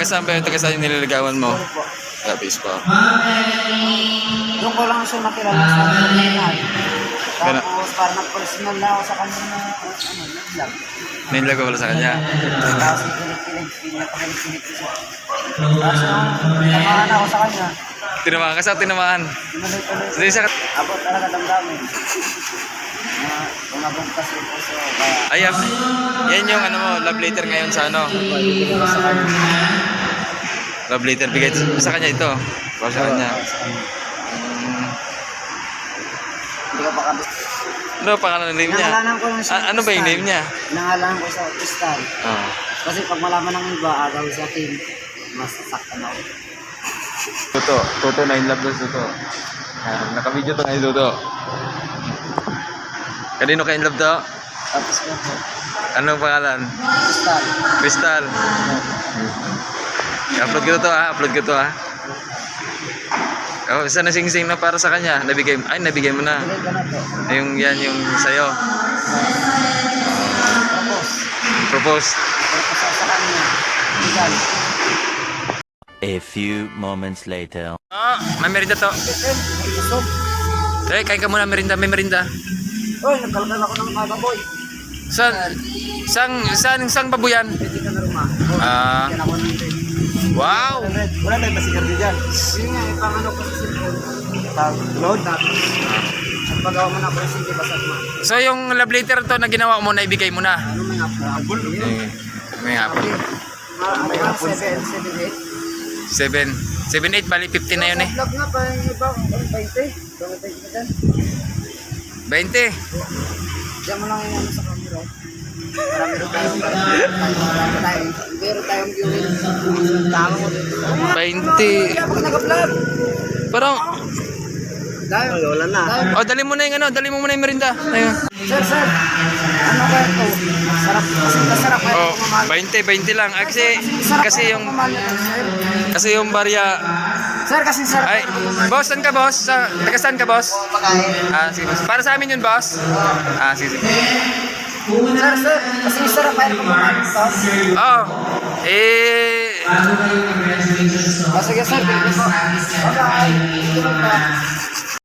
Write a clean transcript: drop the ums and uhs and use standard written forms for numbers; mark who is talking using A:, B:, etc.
A: saan ba yung taga saan yung nililigawan mo? Lapis pa.
B: Doon ko lang siya nakilala sa Pilipinas. Tapos parang personal na ako sa kanya na nag-vlog.
A: Niligaw wala sa kanya.
B: Tapos kinig-kinig, pinapakalig-kinig ko siya. Tapos tamaan ako sa kanya.
A: Tinamaan ka sa tinamaan.
B: Tuloy-tuloy.
A: Hindi siya.
B: Abot talaga damdamin. Tumabong kasi po siya. Kaya
A: Ay, yan yung ano mo, love letter ngayon sa ano?
B: ibigay ko sa kanya.
A: Love letter, bigay sa kanya ito. Para sa kanya.
B: Hindi ko pa kabis.
A: Ano pa pangalan ng name niya?
B: Nangalanan ko lang siya.
A: Ano ba yung name niya?
B: Nangalanan ko sa Crystal.
A: Oh.
B: Kasi pag malaman ng iba, agaw sa akin, mas saktan ako.
A: Toto na in love doon Toto. Naka-video to ngayon Toto. Kanino ka in love to?
B: Tapos ko po,
A: Anong pangalan?
B: Crystal.
A: Crystal. Upload ko to ha, upload ko to ha. Oh, isa na sing-sing na para sa kanya. Nabigay mo na.
B: Bigay ko na to.
A: Yan yung sayo.
B: Tapos,
A: Propose.
B: tapos sa kanya. Crystal.
C: A few moments later.
A: Oh, may merinda to.
B: Gusto.
A: Kain ka muna merinda, may merinda.
B: Uy, nagkalkal ako ng baboy.
A: Sang babuyan?
B: Pwede ka na rumah.
A: Ah.
B: Yan ako ng red.
A: Wow!
B: Wala tayong basigardi dyan. Yun nga, yung pangano ko sa cellphone. Load natin. At pagawa mo na presidente, basag mo.
A: So yung love letter to na ginawa mo na ibigay mo na.
B: Ano may hapon?
A: May hapon.
B: May hapon. 7, 7, 8.
A: 7, 8, bali 50 na yun eh.
B: Vlog na pa yung iba, 20. Tumatay ka dyan.
A: 20.
B: Diyan mo lang yung ano sa camera. Marami rin tayong viewing. Tama mo dito.
A: 20.
B: Kaya pag nag-vlog.
A: Parang,
B: Dahil, wala na.
A: oh dali mo na yung ano, dali mo muna yung merinda. Ayun.
B: Sir, ano kaya ito? Sarap, kasi masarap kaya
A: Oh,
B: ito mamahal.
A: 20 lang. Kasi yung barya.
B: Sir, kasi sarap
A: Ay,
B: kaya ito mamahal.
A: boss, saan ka boss? Taga saan ka boss?
B: Pagkain.
A: Sige boss. Para sa amin yun boss. Sige.
B: Sir, kasi sarap kaya ito mamahal.
A: Oh,
B: Sige sir, thank you po. Bye-bye.